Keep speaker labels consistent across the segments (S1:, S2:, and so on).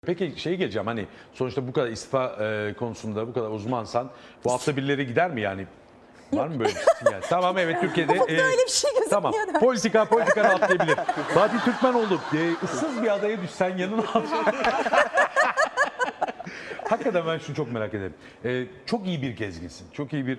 S1: Peki şey geleceğim, hani sonuçta bu kadar istifa konusunda bu kadar uzmansan bu hafta birileri gider mi yani? Var mı böyle bir sinyal? Tamam, evet, Türkiye'de
S2: Ufukta öyle bir şey gözükmüyor
S1: tamam,
S2: da.
S1: politikadan atlayabilir. Fatih Türkmenoğlu, ıssız bir adaya düşsen yanına al. Hakikaten ben şunu çok merak ederim. Çok iyi bir gezginsin. Çok iyi bir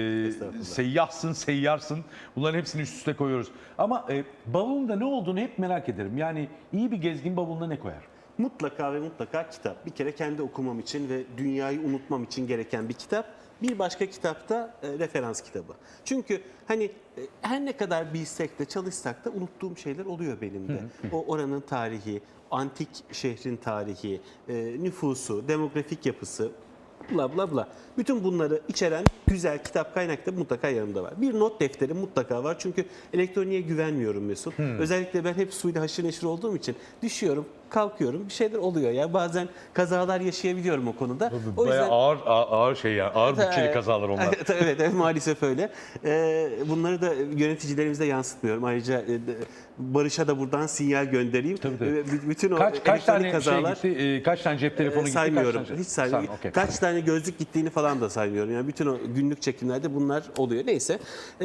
S1: seyyahsın, seyyarsın. Bunların hepsini üst üste koyuyoruz. Ama bavulunda ne olduğunu hep merak ederim. Yani iyi bir gezgin bavuluna ne koyar?
S3: Mutlaka ve mutlaka kitap. Bir kere kendi okumam için ve dünyayı unutmam için gereken bir kitap. Bir başka kitapta referans kitabı. Çünkü hani her ne kadar bilsek de çalışsak da unuttuğum şeyler oluyor benim de. O oranın tarihi, antik şehrin tarihi, nüfusu, demografik yapısı, bla bla bla. Bütün bunları içeren güzel kitap kaynakta mutlaka yanımda var. Bir not defteri mutlaka var. Çünkü elektroniğe güvenmiyorum Mesut. Özellikle ben hep suyla haşır neşir olduğum için düşüyorum, kalkıyorum, bir şeyler oluyor ya. Bazen kazalar yaşayabiliyorum o konuda. O
S1: Bayağı ağır şey ya. Ağır bütçeli kazalar onlar.
S3: Evet, maalesef öyle. Bunları da yöneticilerimize yansıtmıyorum. Ayrıca Barış'a da buradan sinyal göndereyim.
S1: Tabii.
S3: Bütün o
S1: Kaç tane
S3: kazalar
S1: şey gitti? Kaç tane cep telefonu gitti?
S3: saymıyorum.
S1: Kaç
S3: Hiç saymıyorum.
S1: Okay.
S3: Kaç tane gözlük gittiğini falan da saymıyorum. Yani bütün o günlük çekimlerde bunlar oluyor. Neyse.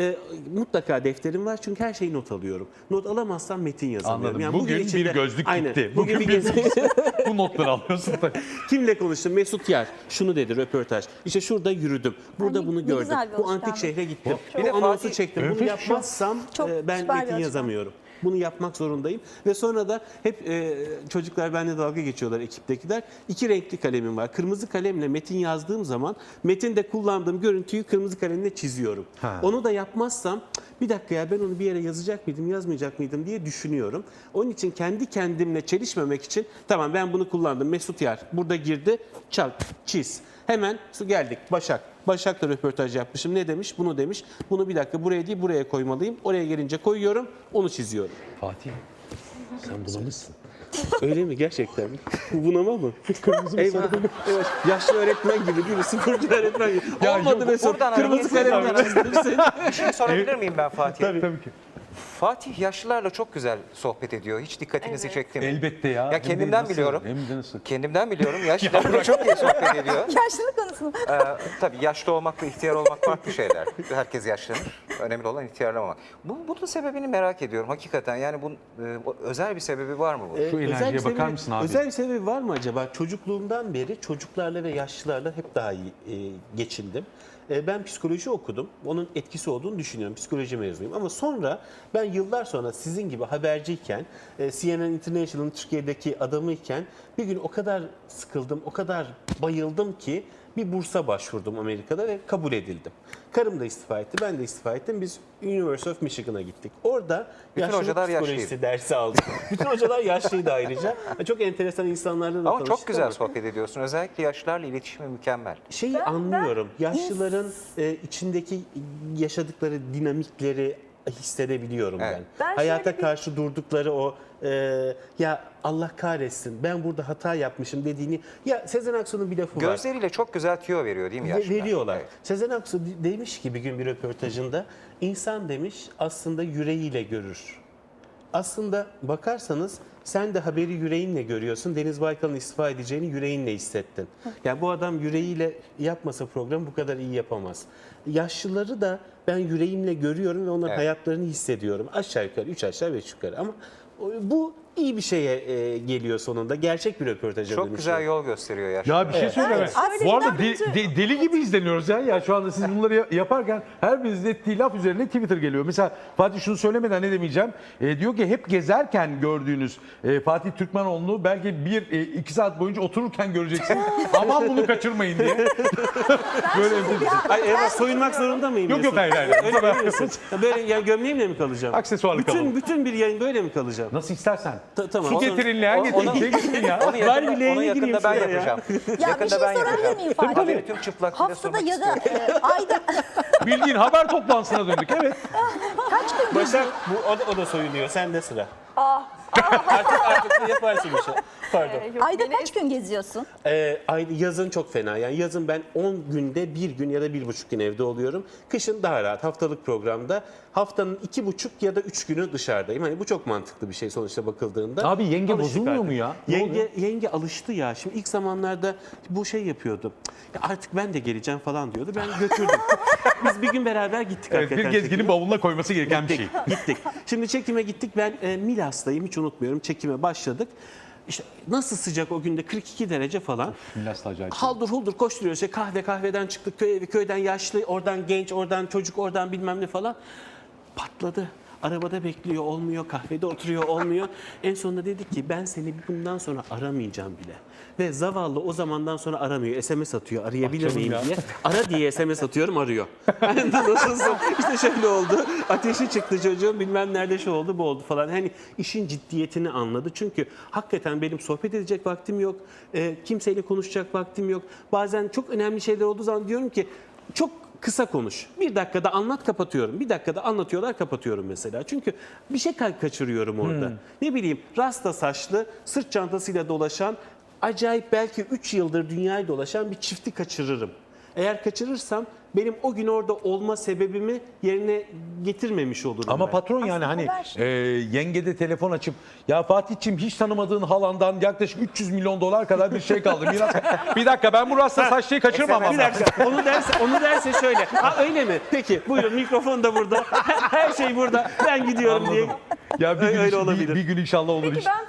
S3: Mutlaka defterim var çünkü her şeyi not alıyorum. Not alamazsam metin yazamıyorum.
S1: Anladım.
S3: Yani
S1: bugün
S3: içinde-
S1: bir gözlük
S3: Aynen.
S1: gitti.
S3: Bugün bir
S1: bu notları alıyorsun.
S3: Kimle konuştum? Mesut Yer. Şunu dedi röportaj. İşte şurada yürüdüm. Burada
S2: Ay,
S3: bunu
S2: ne
S3: gördüm.
S2: güzel bir
S3: Bu antik
S2: alışkanlık.
S3: şehre gittim.
S4: Bir de
S3: Bu anonsu
S4: Fatih-
S3: çektim. Bunu
S1: Nefis.
S3: yapmazsam
S2: Çok
S3: ben
S2: süper bir
S3: metin
S2: alışkanlık.
S3: yazamıyorum. Bunu yapmak zorundayım. Ve sonra da hep çocuklar benimle dalga geçiyorlar, ekiptekiler. İki renkli kalemim var. Kırmızı kalemle metin yazdığım zaman metinde kullandığım görüntüyü kırmızı kalemle çiziyorum.
S1: Ha.
S3: Onu da yapmazsam bir dakika ya ben onu bir yere yazacak mıydım, yazmayacak mıydım diye düşünüyorum. Onun için kendi kendimle çelişmemek için tamam ben bunu kullandım. Mesut Yar burada girdi, çal, çiz. Hemen geldik Başak. Başak'la röportaj yapmışım. Ne demiş? Bunu demiş. Bunu bir dakika buraya değil buraya koymalıyım. Oraya gelince koyuyorum, onu çiziyorum.
S1: Fatih, sen bunamışsın.
S3: Öyle mi? Gerçekten mi? Bu bunama mı? Kırmızı Eyvah. Evet. Yaşlı öğretmen gibi değil mi? Sıfırcı öğretmen gibi.
S1: Ya
S3: Olmadı
S1: yok,
S3: Mesut.
S4: buradan
S3: Kırmızı
S4: hareketsiz
S3: kalemle çizdim.
S4: Bir şey sorabilir miyim ben Fatih'e?
S1: Tabii ki.
S4: Fatih yaşlılarla çok güzel sohbet ediyor. Hiç dikkatinizi çekti mi?
S1: Elbette ya.
S4: Ya
S1: Hem de
S4: kendimden
S1: nasıl,
S4: biliyorum.
S1: Hem de nasıl?
S4: Kendimden biliyorum. Yaşlılarla çok iyi sohbet ediyor.
S2: Yaşlılık konusunda.
S4: Tabii yaşlı olmakla ihtiyar olmak farklı şeyler. Herkes yaşlanır. Önemli olan ihtiyarlamamak. Bunun sebebini merak ediyorum hakikaten. Yani bunun özel bir sebebi var mı bu?
S1: Şu
S3: Özel
S1: enerjiye
S3: bir
S1: bakar
S3: sebebi-
S1: mısın abi?
S3: Özel bir sebebi var mı acaba? Çocukluğumdan beri çocuklarla ve yaşlılarla hep daha iyi geçindim. Ben psikoloji okudum. Onun etkisi olduğunu düşünüyorum. Psikoloji mezunuyum. Ama sonra ben yıllar sonra sizin gibi haberciyken, CNN International'ın Türkiye'deki adamıyken bir gün o kadar sıkıldım, o kadar bayıldım ki bir bursa başvurdum Amerika'da ve kabul edildim. Karım da istifa etti, ben de istifa ettim. Biz University of Michigan'a gittik. Orada
S4: Bütün
S3: yaşlılık
S4: hocalar
S3: psikolojisi
S4: yaşlıydı.
S3: dersi aldık. Bütün hocalar yaşlıydı ayrıca. Çok enteresan insanlarla da
S4: Ama çok
S3: tanıştık
S4: güzel
S3: ama
S4: sohbet ediyorsun. Özellikle yaşlılarla iletişimi mükemmel.
S3: şeyi anlıyorum. Yaşlıların içindeki yaşadıkları dinamikleri hissedebiliyorum
S4: Evet.
S3: ben.
S2: Ben
S3: Hayata
S2: şöyle bir-
S3: karşı durdukları o ya Allah kahretsin ben burada hata yapmışım dediğini ya Sezen Aksu'nun bir lafı var.
S4: Gözleriyle çok güzel tüyo veriyor değil mi yaşlılar?
S3: Veriyorlar.
S4: Evet.
S3: Sezen Aksu demiş ki bir gün bir röportajında insan demiş aslında yüreğiyle görür. Aslında bakarsanız sen de haberi yüreğinle görüyorsun. Deniz Baykal'ın istifa edeceğini yüreğinle hissettin. Yani bu adam yüreğiyle yapmasa programı bu kadar iyi yapamaz. Yaşlıları da ben yüreğimle görüyorum ve onların
S4: Evet.
S3: hayatlarını hissediyorum. Aşağı yukarı 3 aşağı 5 yukarı ama bu iyi bir şeye geliyor sonunda. Gerçek bir röportaja
S4: Çok
S3: dönüşüyor.
S4: güzel yol gösteriyor yaşlılar.
S1: Ya bir şey söyleme.
S2: Evet.
S1: Bu arada
S2: Öyle
S1: deli gibi izleniyoruz ya. Ya şu anda siz bunları yaparken her birinizin ettiği laf üzerine Twitter geliyor. Mesela Fatih şunu söylemeden ne demeyeceğim. Diyor ki hep gezerken gördüğünüz Fatih Türkmenoğlu'nu belki 1-2 saat boyunca otururken göreceksiniz. Aman bunu kaçırmayın diye. Böyle
S3: Ay evet soyunmak zorunda mıyım?
S1: Yok,
S3: Mesut?
S1: hayır.
S3: Öyle mi diyorsun? Ya böyle yani gömleğimle mi kalacağım?
S1: Aksesuarlı kalalım.
S3: Bütün bir yayın böyle mi kalacağım?
S1: Nasıl istersen.
S3: Tamam.
S1: Su getirin, leğen getirin.
S4: onu-
S1: Şey getirin ya.
S4: Onu yakında,
S3: Bari bileğine
S4: onu yakında
S3: gireyim
S4: ben
S3: şuraya ya.
S4: yapacağım.
S2: Ya bir
S4: Yakında
S2: şey
S4: ben
S2: sorabilir
S4: yapacağım.
S2: miyim Fatih?
S4: Haberi tüm çıplaklığıyla
S2: Haftada
S4: sunmak
S2: ya da
S4: istiyorum.
S2: ayda
S1: Bildiğin haber toplantısına döndük. Evet.
S2: kaç gün
S3: Başak o da soyunuyor. Sende sıra. Artık yaparsın bir şey. Pardon.
S2: Ayda kaç gün geziyorsun?
S3: Yazın çok fena. Yani yazın ben 10 günde 1 gün ya da 1,5 gün evde oluyorum. Kışın daha rahat. Haftalık programda haftanın 2,5 ya da 3 günü dışarıdayım. Hani bu çok mantıklı bir şey sonuçta bakıldığında.
S1: Abi yenge
S3: Alıştık
S1: bozulmuyor
S3: artık.
S1: mu ya? Ne oluyor?
S3: Yenge alıştı ya. Şimdi ilk zamanlarda bu şey yapıyordu. Ya artık ben de geleceğim falan diyordu. Ben götürdüm. Biz bir gün beraber gittik
S1: Evet, bir
S3: hakikaten
S1: gezginin
S3: çekime.
S1: bavuluna koyması gereken bir şey.
S3: Gittik. Şimdi çekime gittik. Ben Milas'tayım. Hiç unutmuyorum. Çekime başladık. İşte nasıl sıcak o günde 42 derece falan.
S1: Milas da acayip.
S3: Haldır huldur koşturuyoruz. İşte kahveden çıktık köy evi, köyden yaşlı, oradan genç, oradan çocuk, oradan bilmem ne falan. Patladı. Arabada bekliyor, olmuyor. Kahvede oturuyor, olmuyor. En sonunda dedik ki ben seni bundan sonra aramayacağım bile. Ve zavallı o zamandan sonra aramıyor. SMS atıyor, arayabilir miyim diye. Ara diye SMS atıyorum, arıyor. Yani nasılsın? İşte şöyle oldu. Ateşi çıktı çocuğun, bilmem nerede şu oldu, bu oldu falan. Hani işin ciddiyetini anladı. Çünkü hakikaten benim sohbet edecek vaktim yok. Kimseyle konuşacak vaktim yok. Bazen çok önemli şeyler olduğu zaman diyorum ki çok kısa konuş. 1 dakikada anlat, kapatıyorum. 1 dakikada anlatıyorlar, kapatıyorum mesela. Çünkü bir şey kaçırıyorum orada. Ne bileyim, rasta saçlı, sırt çantasıyla dolaşan, acayip belki 3 yıldır dünyayı dolaşan bir çifti kaçırırım. Eğer kaçırırsam benim o gün orada olma sebebimi yerine getirmemiş olurum
S1: Ama
S3: ben.
S1: patron yani hani yenge de telefon açıp ya Fatih'ciğim hiç tanımadığın halandan yaklaşık 300 milyon dolar kadar bir şey kaldı. Miras. Bir dakika ben bu rasta saçlıyı kaçırmamam
S3: Bir
S1: lazım.
S3: dakika onu derse şöyle. Ha öyle mi? Peki buyurun, mikrofon da burada. Her şey burada. Ben gidiyorum diye.
S1: Ya bir gün,
S3: Öyle olabilir.
S1: bir gün inşallah olur.
S2: Peki ben